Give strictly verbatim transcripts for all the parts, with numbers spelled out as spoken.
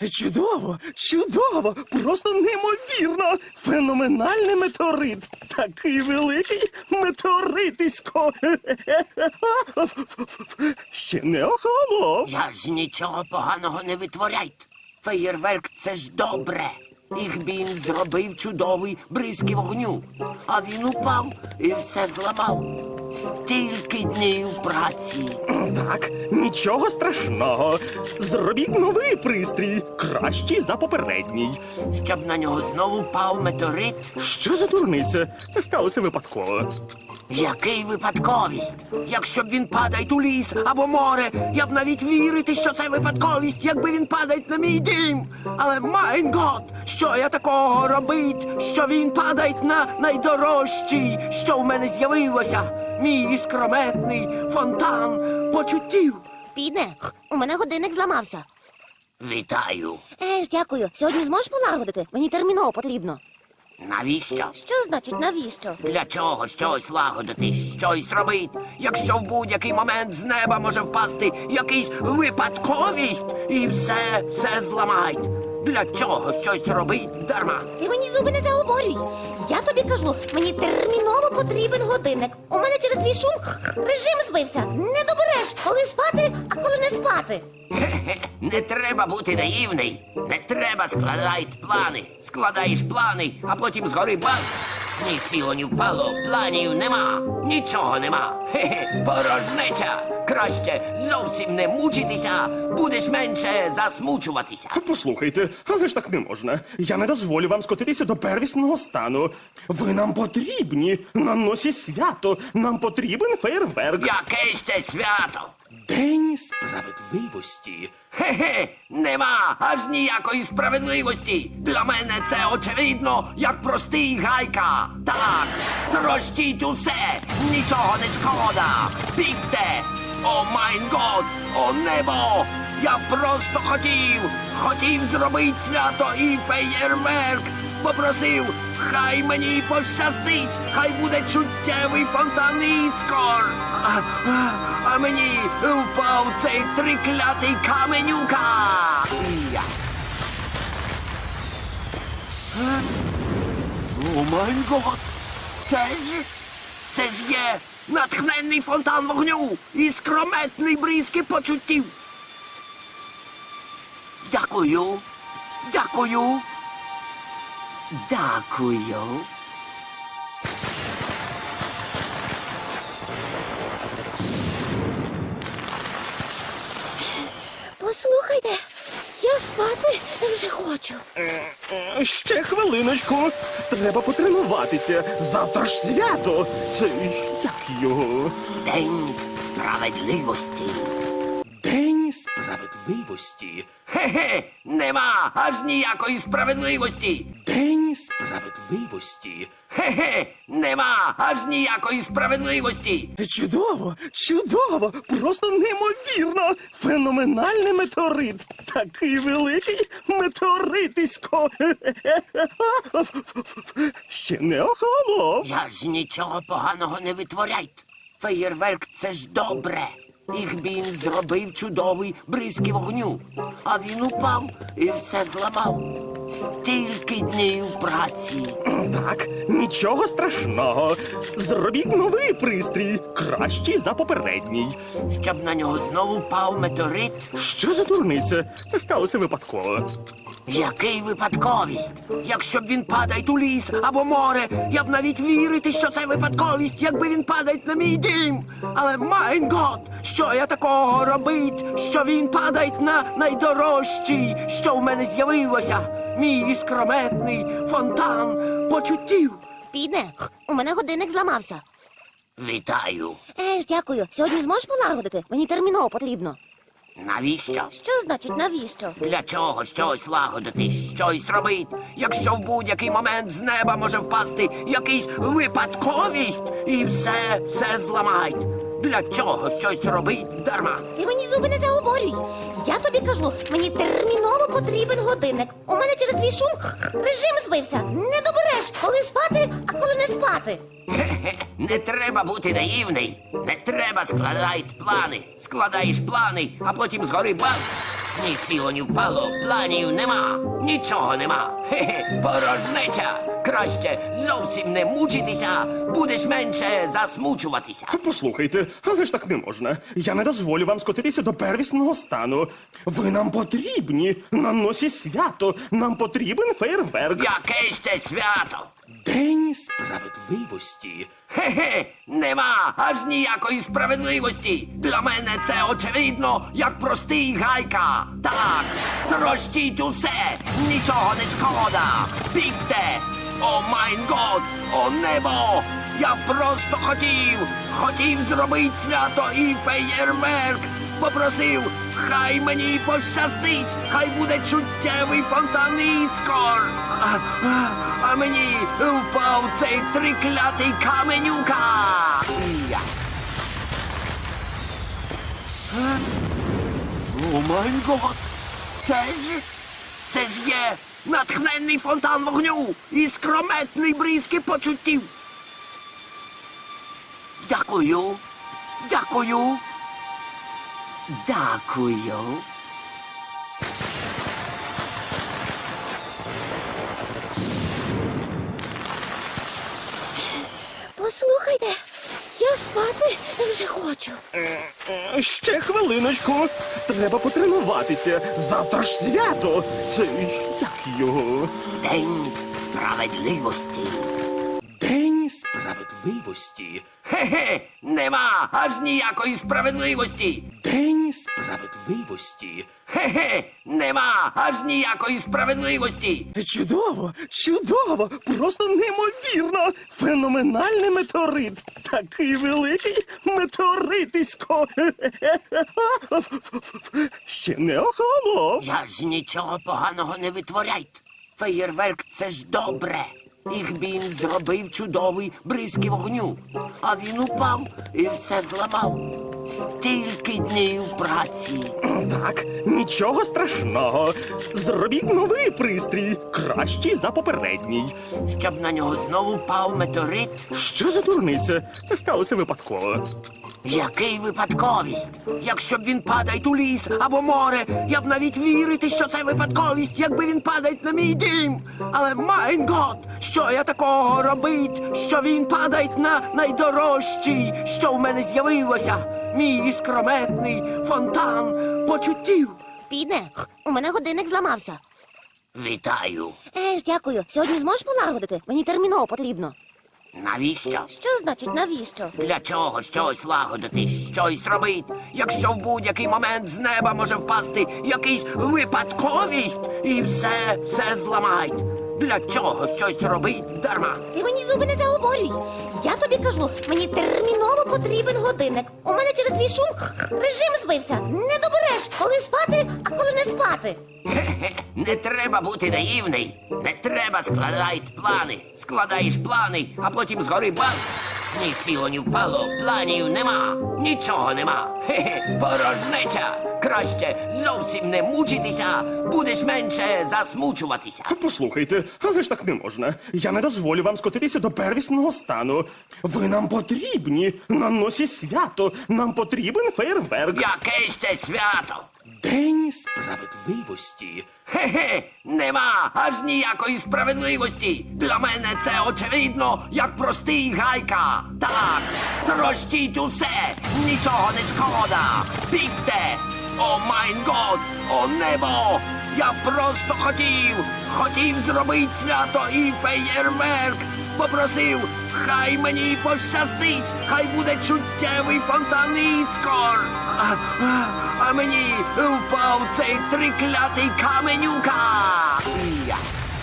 Чудово, чудово, просто неймовірно. Феноменальний метеорит. Такий великий метеоритисько. Ще не охолонув. Я ж нічого поганого не витворяйте. Феєрверк – це ж добре. Їх він зробив чудовий бризки вогню. А він упав і все зламав. Стільки днів праці. Так, нічого страшного. Зробіть новий пристрій, кращий за попередній. Щоб на нього знову впав метеорит. Що за дурниця? Це сталося випадково. Який випадковість? Якщо б він падає у ліс або море, я б навіть вірити, що це випадковість, якби він падає на мій дім. Але, майн гот, що я такого робить, що він падає на найдорожчий, що в мене з'явилося? Мій іскрометний фонтан почуттів. Піде, у мене годинник зламався. Вітаю. Е ж, дякую. Сьогодні зможеш полагодити? Мені терміново потрібно. Навіщо? Що значить навіщо? Для чого щось лагодити, щось робити, якщо в будь-який момент з неба може впасти якийсь випадковість і все, все зламають? Для чого щось робить дарма? Ти мені зуби не заговорюй. Я тобі кажу, мені терміново потрібен годинник. У мене через твій шум режим збився. Не добереш, коли спати, а коли не спати. Хе-хе, не треба бути наївний. Не треба складати плани. Складаєш плани, а потім згори бац. Ні сіло, ні впало, планів нема. Нічого нема. Хе-хе, порожнеча. Краще зовсім не мучитися, будеш менше засмучуватися. Послухайте, але ж так не можна. Я не дозволю вам скотитися до первісного стану. Ви нам потрібні. На носі свято. Нам потрібен фейерверк. Яке ще свято? День справедливості. Хе-хе, нема аж ніякої справедливості. Для мене це очевидно, як простий гайка. Так, трощіть усе, нічого не шкода. Бігте! О майн год, о небо! Я просто хотів, хотів зробити свято і феєрверк. Попросив, хай мені пощастить, хай буде чуттєвий фонтан іскор. А, а, а мені впав цей триклятий каменюка. Я. Е? О май гот! Це ж, це ж є натхненний фонтан вогню і скрометний бризки почуттів. Дякую, дякую, дякую. Послухайте, я спати вже хочу. Е, Ще хвилиночку. Треба потренуватися. Завтра ж свято. Це як його? День справедливості. День справедливості. Хе-хе, нема аж ніякої справедливості. День справедливості. Хе-хе, нема аж ніякої справедливості. Чудово, чудово, просто неймовірно. Феноменальний метеорит. Такий великий метеоритисько. Ще не охолонув. Я ж нічого поганого не витворяйте. Феєрверк – це ж добре. Їх він зробив чудовий бризки вогню. А він упав і все зламав. Стільки днів праці. Так, нічого страшного. Зробіть новий пристрій, кращий за попередній. Щоб на нього знову впав метеорит. Що за дурниця? Це сталося випадково. Який випадковість? Якщо б він падає у ліс або море, я б навіть вірити, що це випадковість, якби він падає на мій дім. Але, майн гот, що я такого робить, що він падає на найдорожчий, що в мене з'явилося? Мій іскрометний фонтан почуттів. Піде, у мене годинник зламався. Вітаю. Е ж, дякую. Сьогодні зможеш полагодити? Мені терміново потрібно. Навіщо? Що значить навіщо? Для чого щось лагодити, щось робити, якщо в будь-який момент з неба може впасти якийсь випадковість і все, все зламають? Для чого щось робить дарма? Ти мені зуби не заговорюй. Я тобі кажу, мені терміново потрібен годинник. У мене через твій шум режим збився. Не добереш, коли спати, а коли не спати. Хе-хе, не треба бути наївний. Не треба складати плани. Складаєш плани, а потім згори бац. Ні сіло, ні впало, планів нема, нічого нема. Хе-хе, порожнеча. Краще зовсім не мучитися, будеш менше засмучуватися. Послухайте, але ж так не можна. Я не дозволю вам скотитися до первісного стану. Ви нам потрібні на носі свято. Нам потрібен фейерверк. Яке ще свято? День справедливості. Хе-хе, нема аж ніякої справедливості. Для мене це очевидно, як простий гайка. Так, трощіть усе, нічого не шкода. Бігте! О майн год, о небо! Я просто хотів, хотів зробити свято і феєрверк. Попросив, хай мені пощастить, хай буде чуттєвий фонтан іскор. А, а, а мені впав цей триклятий каменюка. Я. Е? О май гот! Це ж, це ж є натхненний фонтан вогню і скрометний бризки почуттів. Дякую, дякую. Дякую. Послухайте, я спати вже хочу. Е, е, Ще хвилиночку. Треба потренуватися. Завтра ж свято. Це як його? День справедливості. День справедливості. Хе-хе, нема аж ніякої справедливості. День справедливості. Хе-хе, нема аж ніякої справедливості. Чудово, чудово, просто неймовірно. Феноменальний метеорит. Такий великий метеоритисько. Ще не охолонув. Я ж нічого поганого не витворяйте. Феєрверк — це ж добре. Їх він зробив чудовий бризки вогню. А він упав і все зламав. Стільки днів праці. Так, нічого страшного. Зробіть новий пристрій, кращий за попередній. Щоб на нього знову впав метеорит. Що за дурниця? Це сталося випадково. Який випадковість? Якщо б він падає у ліс або море, я б навіть вірити, що це випадковість, якби він падає на мій дім. Але майн гот, що я такого робить, що він падає на найдорожчий, що в мене з'явилося, мій іскрометний фонтан почуттів. Піде, у мене годинник зламався. Вітаю. Еж, дякую. Сьогодні зможеш полагодити? Мені терміново потрібно. Навіщо? Що значить навіщо? Для чого щось лагодити, щось робити, якщо в будь-який момент з неба може впасти якийсь випадковість і все, все зламають. Для чого щось робить дарма? Ти мені зуби не заговорюй. Я тобі кажу, мені терміново потрібен годинник. У мене через твій шум режим збився. Не добереш, коли спати, а коли не спати. Хе-хе, не треба бути наївний. Не треба складати плани. Складаєш плани, а потім згори бац. Ні сіло, ні впало, планів нема, нічого нема. Хе-хе, порожнеча. Краще зовсім не мучитися, будеш менше засмучуватися. Послухайте, але ж так не можна. Я не дозволю вам скотитися до первісного стану. Ви нам потрібні на носі свято. Нам потрібен фейерверк. Яке ще свято? День справедливості. Хе-хе, нема аж ніякої справедливості. Для мене це очевидно, як простий гайка. Так, трощіть усе, нічого не шкода. Бігте! О майн год, о небо! Я просто хотів, хотів зробити свято і феєрверк. Попросив, хай мені пощастить, хай буде чуттєвий фонтан іскор. А, а, а мені впав цей триклятий каменюка. Я.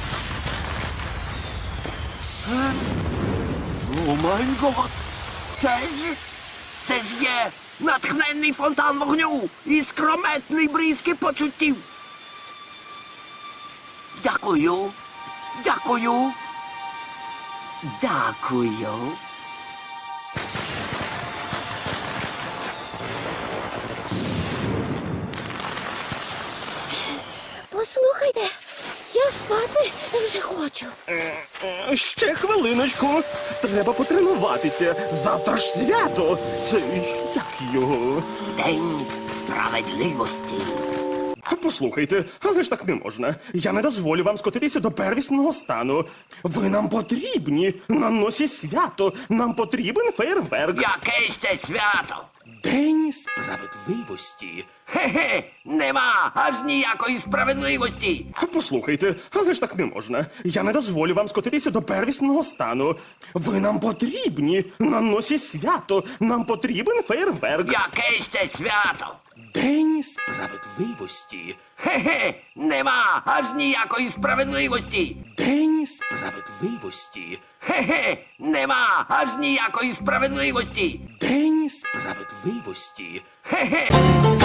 Е? О май гот! Це ж, це ж є натхненний фонтан вогню і скрометний бризки почуттів. Дякую, дякую, дякую. Послухайте, я спати вже хочу. Е, е, Ще хвилиночку. Треба потренуватися. Завтра ж свято. Це як його? День справедливості. Послухайте, але ж так не можна. Я не дозволю вам скотитися до первісного стану. Ви нам потрібні на носі свято. Нам потрібен фейерверк. Яке ще свято? День справедливості. Хе-хе, нема аж ніякої справедливості. Послухайте, але ж так не можна. Я не дозволю вам скотитися до первісного стану. Ви нам потрібні на носі свято. Нам потрібен фейерверк. Яке ще свято? День справедливості. Хе-хе, нема аж ніякої справедливості. День справедливості. Хе-хе, нема аж ніякої справедливості. День справедливості. Хе-хе.